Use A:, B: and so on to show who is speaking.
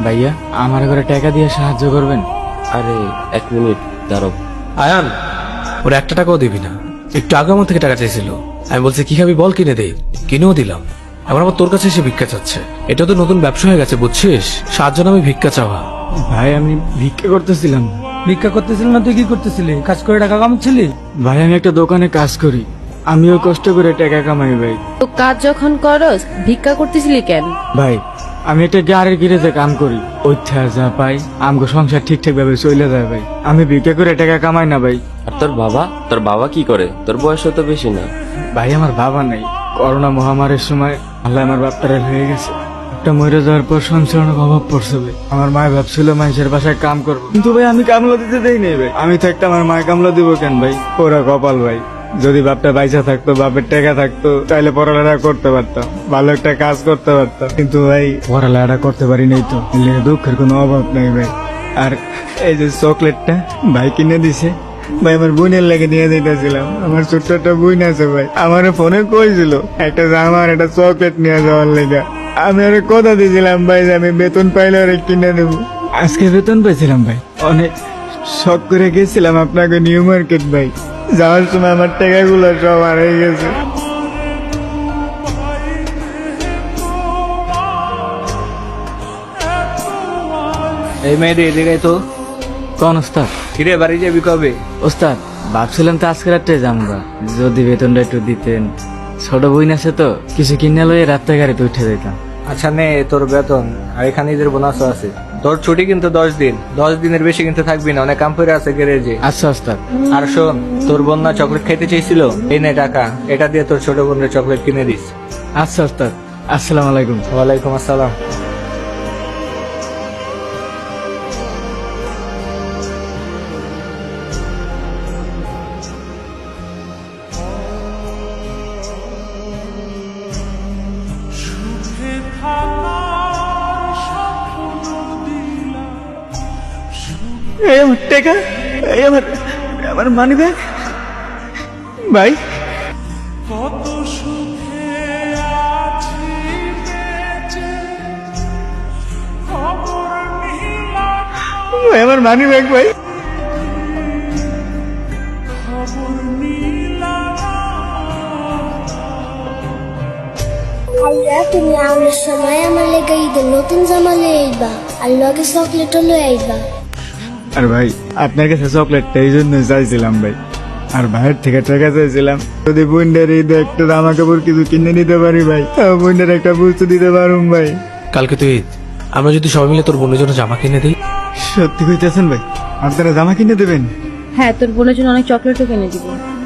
A: ভাইয়া আমার ঘরে টাকা দিয়ে সাহায্য করবেন?
B: আরে 1 মিনিট দাঁড়াও।
C: আয়ান, ওরা 1 টাকাও দিবি না। একটু আগে আমার থেকে টাকা চাইছিল, আমি বলছি কি খাবি বল, কিনে দে, কিনেও দিলাম। এবার আবার তোর কাছে এসে ভিক্ষা চাচ্ছে। এটা তো নতুন ব্যবসা হয়ে গেছে বুঝছিস, সাহায্য নামে ভিক্ষা চাওয়া।
A: ভাই আমি ভিক্ষা করতেছিলাম।
D: ভিক্ষা করতেছিল না তুই কি করতেছিলি? কাজ করে টাকা কামাচ্ছিলি?
A: ভাই আমি একটা দোকানে কাজ করি, আমিও কষ্ট করে টাকা কামাই ভাই।
E: তো কাজ যখন করস ভিক্ষা করতেছিলি কেন?
A: ভাই আমি একটা গাড়ির গিরেজে কাম করি, ওইথা যা পাই আমগো সংসার ঠিকঠাক ভাবে চলে যায় ভাই। আমি ভিক্ষা করে টাকা কামাই না ভাই।
B: আর তোর বাবা কি করে? তোর বয়স তো বেশি না।
A: ভাই আমার বাবা নাই, করোনা মহামারীর সময় আল্লাহ আমার বাপটারে হয়ে গেছে। একটা মরে যাওয়ার পর সংসার অনেক অভাব পড়ছে ভাই। আমার মায় ভাবছিল মানুষের বাসায় কাম করবো, কিন্তু ভাই আমি কামলা দিতে দেই নাই ভাই। আমি থাকতে আমার মায় কামলা দিব কেন ভাই? ওরা কপাল ভাই। যদি বাপটা বাইসা থাকতো, বাপের টাকা থাকতো, তাহলে পড়ালেখা করতে পারতাম, ভালো একটা কাজ করতে পারতাম। কিন্তু ভাই পড়ালেখা করতে পারি নাই তো, এর লেগে দুঃখের কোনো অভাব নাই ভাই। আর এই যে চকলেটটা ভাই কিনে দিছে ভাই, আমার বোনের লেগে নিয়ে যেতেছিলাম। আমার ছোট্ট একটা বোন আছে ভাই, আমার ফোনে কইছিল একটা জামা আর একটা চকলেট নিয়ে যাওয়ার লেগে। আমি ওরে কথা দিয়েছিলাম ভাই যে আমি বেতন পাইলে ওরে কিনে দেবো। আজকে বেতন পাইছিলাম ভাই, অনেক শখ করে গেছিলাম আপনাকে নিউ মার্কেট ভাই। যাওয়ার সময় আমার টাকাগুলো সব হারিয়ে গেছে।
D: এই মেয়েদের এদিকে তো।
A: কোন ওস্তাদ?
D: কিরে বাড়ি যাবি কবে?
A: ওস্তাদ ভাবছিলাম তো আজকে রাত্রে যামগা, যদি বেতনটা একটু দিতেন। ছোট বোন আছে তো, কিছু কিনে লইয়ে রাত্রে গাড়িতে উঠে যেতাম।
D: আচ্ছা নে তোর বেতন, আর এখানে ঈদের বোনাসও আছে। তোর ছুটি কিন্তু 10 দিন, 10 দিনের বেশি কিন্তু থাকবি না, অনেক কাম করে আছে গ্যারেজে।
A: আচ্ছা ওস্তাদ।
D: আর শোন, তোর বোন না চকলেট খাইতে চাইছিল, এই নে টাকা, এটা দিয়ে তোর ছোট বোনের চকলেট কিনে দিস।
A: আচ্ছা ওস্তাদ, আসসালামু আলাইকুম।
D: ওয়ালাইকুম আসসালাম।
A: এই আমার টাকা, এই আমার আমার মানি ব্যাগ ভাই। ভাই আমার মানি ব্যাগ ভাই।
F: আইয়া তুমি আমার সময় আমার লেগে ঈদের নতুন জামা লয়ে আইবা, আর লগে চকলেটও লয়ে আইবা।
A: আর ভাই আপনার কাছে চকলেটটা এই জন্য চাইছিলাম ভাই, আর ভাইয়ের থেকে টাকা চাইছিলাম। যদি বোনদের ঈদে একটা জামা কাপড় কিছু কিনে নিতে পারি ভাই, বোনদের একটা বুঝতে দিতে পারুম ভাই।
C: কালকে তুই ঈদ, আমরা যদি সবাই মিলে তোর বোনের জন্য জামা কিনে দিই।
A: সত্যি কইতেছেন ভাই? আপনারা জামা কিনে দেবেন?
E: হ্যাঁ, তোর বোনের জন্য অনেক চকলেটও কিনে দিব।